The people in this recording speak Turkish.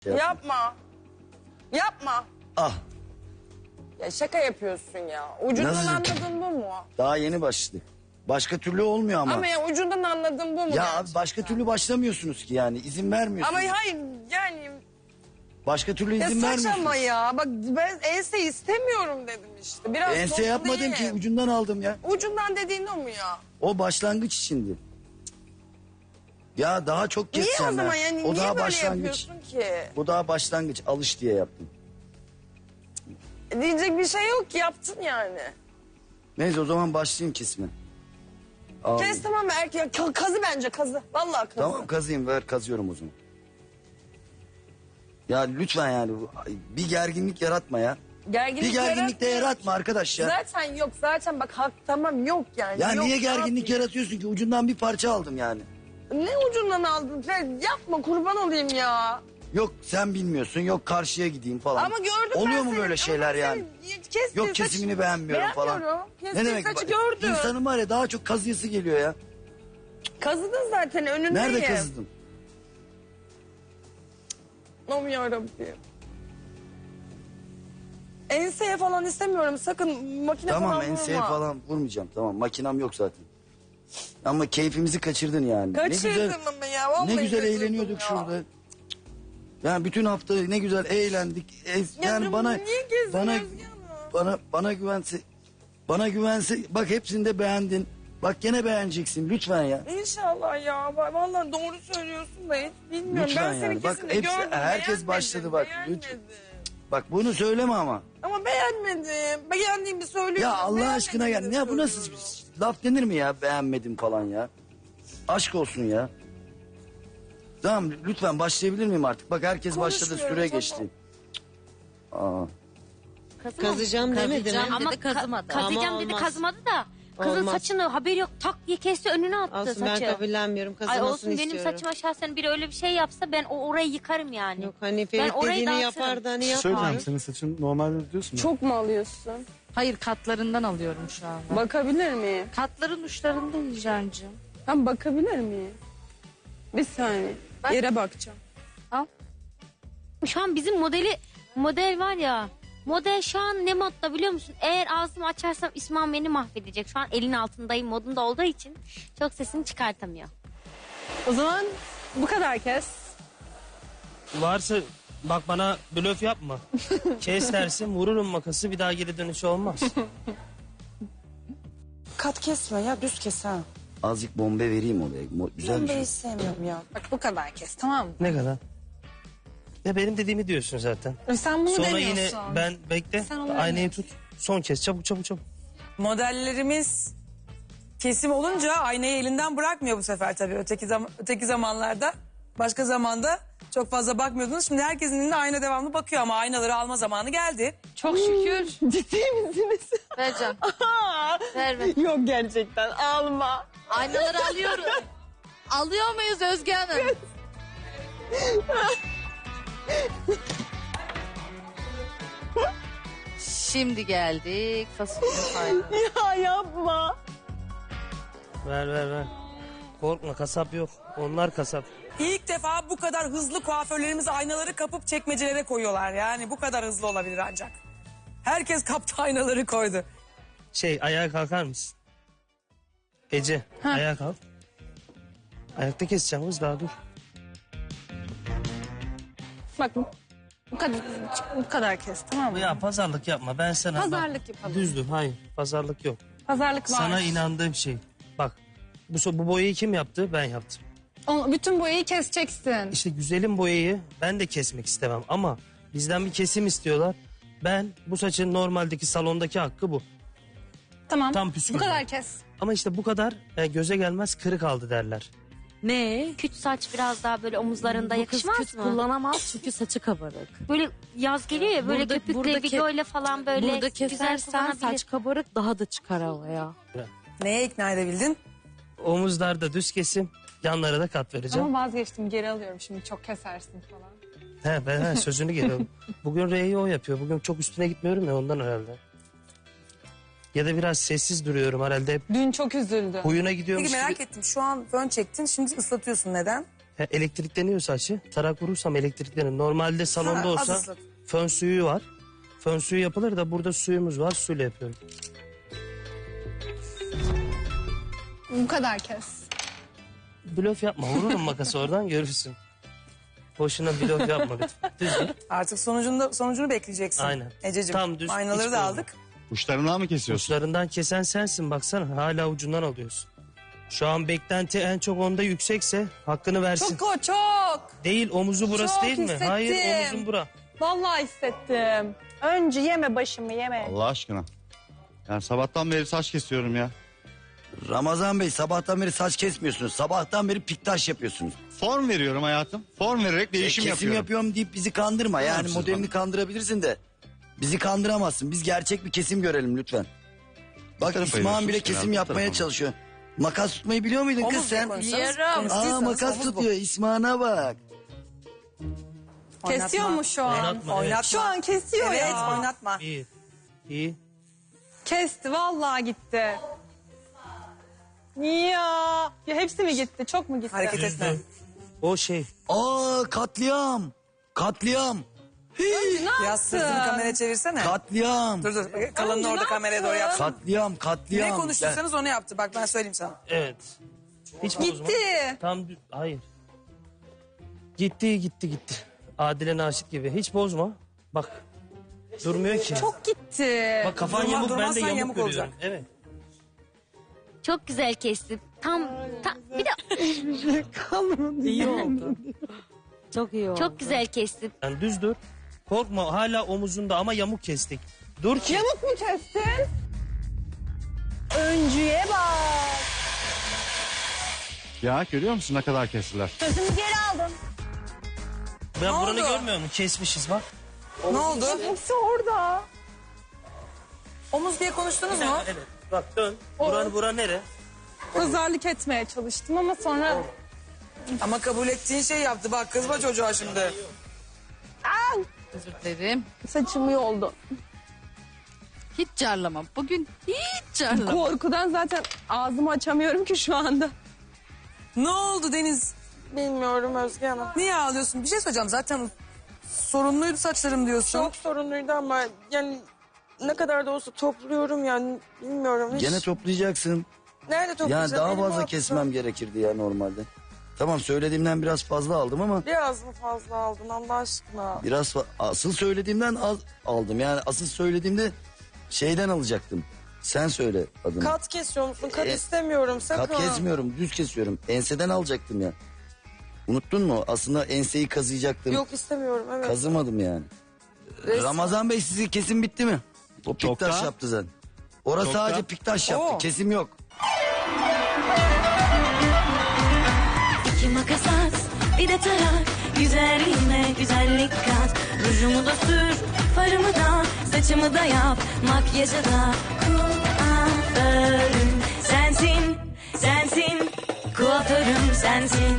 Yapma. Yapma. Ah. Ya şaka yapıyorsun ya. Ucundan Nasıl? anladın bu mu? Daha yeni başladık. Başka türlü olmuyor ama. Ama ya ucundan anladın bu mu? Ya abi gerçekten? başka türlü başlamıyorsunuz ki yani. İzin vermiyorsunuz. Ama hayır yani... Başka türlü Ya izin vermiyorsunuz. saçma ya. Bak ben ense istemiyorum dedim işte. Biraz Ense toplu yapmadım değil. ki, ucundan aldım ya. Ucundan dediğin o mu ya? O başlangıç içindi. Ya daha çok Niye keseceğim o zaman ben. yani? O Niye daha böyle başlangıç. yapıyorsun ki? Bu daha başlangıç, alış diye yaptım. Diyecek bir şey yok ki, yaptın yani. Neyse o zaman başlayayım kesime. Al. Kes tamam mı erkek? Kazı bence kazı. Vallahi kazı. Tamam kazıyım, ver kazıyorum o zaman. Ya lütfen yani bir gerginlik yaratma ya. Bir gerginlik de yaratma arkadaş ya. Zaten yok zaten bak hak tamam yok yani. Ya yok, niye ne gerginlik yapayım? yaratıyorsun ki? Ucundan bir parça aldım yani. Ne ucundan aldın? Yapma kurban olayım ya. Yok sen bilmiyorsun, yok karşıya gideyim falan. Ama gördüm Oluyor ben mu seni. böyle şeyler Ama yani? senin kestiğin Yok kesimini beğenmiyorum falan. Kestiğin saçı gördüm. İnsanın var ya daha çok kazıyası geliyor ya. Kazıdın zaten önündeyim. Nerede kazıdın? Aman yarabbim. Enseye falan istemiyorum sakın makine Tamam falan enseye vurma. falan vurmayacağım, tamam makinam yok zaten. Ama keyfimizi kaçırdın yani. Kaçırdım ama ya vallahi Ne güzel kaçırdım eğleniyorduk ya. şurada. Yani bütün hafta ne güzel eğlendik. Yani Yavrum, bana niye gezdin bana Özge Hanım? bana güvense bak hepsini de beğendin. Bak gene beğeneceksin lütfen ya. İnşallah ya. Vallahi doğru söylüyorsun da hiç bilmiyorum. Lütfen ben senin yani. Bak kesinlikle hepsi- gördüm. herkes beğenmedim, başladı bak. beğenmedim. Bak bunu söyleme ama. Ama beğenmedim. Beğendiğimi söylüyorum. Ya Allah aşkına ya beğenmediğimi ne bu nasıl söylüyorum. laf denir mi ya beğenmedim falan ya. Aşk olsun ya. Tamam lütfen başlayabilir miyim artık? Bak herkes başladı Konuşmuyorum, süre tamam. geçti. Aa. Kazacağım demedi mi? Ama Dedi, kazımadı. kazıyacağım Ama dedi olmaz. kazımadı da. Kızın Olmaz. saçını haberi yok tak diye kesti önüne attı Olsun ben saçı. kabullenmiyorum. Ay Kazımasını olsun istiyorum. benim saçıma şahsen biri öyle bir şey yapsa ben orayı yıkarım yani. Yok hani Ben Ferit orayı dediğini dağıtırım. yapar da hani Söyleyeceğim yapmıyor. senin saçın normalde diyorsun ya. Çok mu alıyorsun? Hayır katlarından alıyorum şu anda. Bakabilir miyim? Katların uçlarında Hicrancığım. Ben bakabilir miyim? Bir saniye. Yere bakacağım. Şu an bizim model var ya. Model şu an ne modda biliyor musun? Eğer ağzımı açarsam İsmail beni mahvedecek. Şu an elin altındayım modunda olduğu için çok sesini çıkartamıyor. O zaman bu kadar kes. Varsa bak bana blöf yapma. Kes dersin vururum makası bir daha geri dönüşü olmaz. Kat kesme ya düz kes ha. Azıcık bombe vereyim oraya. Güzel bir Ben şey. hiç sevmiyorum ya. Bak bu kadar kes tamam mı? Ne kadar? Ya benim dediğimi diyorsun zaten. Sen bunu Sonra demiyorsun. yine ben bekle Sen onu aynayı tut. Son kes çabuk çabuk çabuk. Modellerimiz kesim olunca aynayı elinden bırakmıyor bu sefer tabii. Öteki zamanlarda başka zamanda çok fazla bakmıyordunuz. Şimdi herkesin elinde ayna devamlı bakıyor ama aynaları alma zamanı geldi. Çok şükür. Ciddi misiniz? Vereceğim. Ver. Yok gerçekten alma. Aynaları alıyorum. Alıyor muyuz Özge Hanım? Şimdi geldik fasulye faydalı. Ya yapma. Ver. Korkma kasap yok. Onlar kasap. İlk defa bu kadar hızlı kuaförlerimiz aynaları kapıp çekmecelere koyuyorlar. Yani bu kadar hızlı olabilir ancak. Herkes kaptı aynaları koydu. Ayağa kalkar mısın? Ece ayağa kalk. Ayakta keseceğim kız daha dur. Bak bu kadar kes tamam mı? Ya pazarlık yapma ben sana. Pazarlık yapalım. Düzdür hayır pazarlık yok. Pazarlık var. Sana inandığım şey. Bak bu boyayı kim yaptı? Ben yaptım. Bütün boyayı keseceksin. İşte güzelim boyayı ben de kesmek istemem ama bizden bir kesim istiyorlar. Ben bu saçın normaldeki salondaki hakkı bu. Tamam. Tam püskül. Bu kadar kes. Ama işte bu kadar göze gelmez kırık aldı derler. Ne? Küt saç biraz daha böyle omuzlarında Bu kız yakışmaz küt mı? kullanamaz çünkü saçı kabarık. Böyle yaz geliyor ya böyle Burada- köpükle burada videoyla falan böyle Burada güzel kesersen kullanabilir. saç kabarık daha da çıkar havaya. Neye ikna edebildin? Omuzlarda düz kesim, yanlara da kat vereceğim. Ama vazgeçtim geri alıyorum şimdi çok kesersin falan. Ben sözünü geliyorum. Bugün R'yi o yapıyor. Bugün çok üstüne gitmiyorum ya ondan herhalde. Ya da biraz sessiz duruyorum herhalde. Hep Dün çok üzüldü. huyuna gidiyormuş Peki merak gibi. ettim şu an fön çektin şimdi ıslatıyorsun neden? Elektrikleniyor saçı. Tarak vurursam elektriklenir. Normalde salonda Ha, az olsa ıslat. fön suyu var. Fön suyu yapılır da burada suyumuz var. Suyla yapıyorum. Bu kadar kes. Blöf yapma. Vururum makası oradan görürsün. Boşuna blöf yapma lütfen. Düz git. Artık sonucunu bekleyeceksin. Aynen. Ececiğim, Tam düz, aynaları hiç da bozma. aldık. Uçlarından mı kesiyorsun? Uçlarından kesen sensin baksana. Hala ucundan alıyorsun. Şu an beklenti en çok onda yüksekse hakkını versin. Çok. Değil omuzu burası Çok değil mi? hissettim. Hayır omuzun bura. Vallahi hissettim. Önce yeme başımı yeme. Allah aşkına. Yani sabahtan beri saç kesiyorum ya. Ramazan Bey sabahtan beri saç kesmiyorsunuz. Sabahtan beri piktaş yapıyorsunuz. Form veriyorum hayatım. Form vererek değişim Kesim yapıyorum. yapıyorum deyip bizi kandırma. Yani siz modelini bana? kandırabilirsin de. Bizi kandıramazsın. Biz gerçek bir kesim görelim lütfen. Bak tarafa İsmail bile yürüyorsun kesim ya, bu yapmaya tarafa. çalışıyor. Makas tutmayı biliyor muydun kız Omuz diye sen? konuşsanız, Biliyorum. konuştuysanız Aa makas omuz bu. tutuyor İsmail'e bak. Kesiyor mu şu an? Oynatma. Evet. Oynatma. Şu an kesiyor Evet, ya. oynatma. İyi. İyi. Kesti vallahi gitti. Ya hepsi mi gitti? Çok mu gitti? Hareket etme. O şey. Aa katliam. Katliam. Hii, Biraz sırtını kameraya çevirsene. katliam. Dur kalanını orada kameraya doğru yapsın. Katliam, Ne katliam. konuştuysanız onu yaptı. Bak ben söyleyeyim sana. Evet. Hiç bozma. Gitti. Hayır. Gitti. Adile Naşit gibi. Hiç bozma. Bak. Durmuyor ki. Çok gitti. Bak kafan Durma- yamuk ben de durmazsan yamuk, yamuk görüyorum. olacak. Evet. Çok güzel kestin. Tam bir de İyi oldu. Çok iyi oldu. çok güzel kestin. Yani düz dur. Korkma hala omuzunda ama yamuk kestik. Dur ki. Yamuk mu kestin? Öncüye bak. Ya görüyor musun ne kadar kestiler? Sözümü geri aldım. Ben Ne buranı oldu? görmüyor musun? Kesmişiz bak. Ne oldu? Hepsi orada. Omuz diye konuştunuz mu? Evet. Bak dön. Bura nere? Pazarlık etmeye çalıştım ama sonra... Ama kabul ettiğin şey yaptı. Bak kızma çocuğa şimdi. Özür dilerim. Saçım yoldu. Hiç carlamam. Bugün hiç carlamam. Korkudan zaten ağzımı açamıyorum ki şu anda. Ne oldu Deniz? Bilmiyorum Özge Hanım. Niye ağlıyorsun? Bir şey söyleyeceğim. Zaten sorunluydu saçlarım diyorsun. Çok sorunluydu ama yani ne kadar da olsa topluyorum yani bilmiyorum. Hiç... Gene toplayacaksın. Nerede Yani toplayacağım? daha Elimi fazla attım. kesmem gerekirdi ya normalde. Tamam söylediğimden biraz fazla aldım ama Biraz mı fazla aldın Allah aşkına? biraz asıl söylediğimden az aldım. Yani asıl söylediğimde şeyden alacaktım. Sen söyle adını. Kat kesiyor musun? Kat E, istemiyorum sakın. Kat kesmiyorum, düz kesiyorum. Enseden alacaktım ya. Unuttun mu? Aslında enseyi kazıyacaktım. Yok istemiyorum evet. Kazımadım yani. Ramazan Bey sizin kesim bitti mi? O piktaş Çoktan. yaptı zaten. Orası sadece piktaş yaptı. Oo. Kesim yok. İki makas at, bir de tarak. Güzelliğime güzellik kat. Rujumu da sür, farımı da, saçımı da yap. Makyajı da kuaförüm sensin, sensin. Kuaförüm sensin.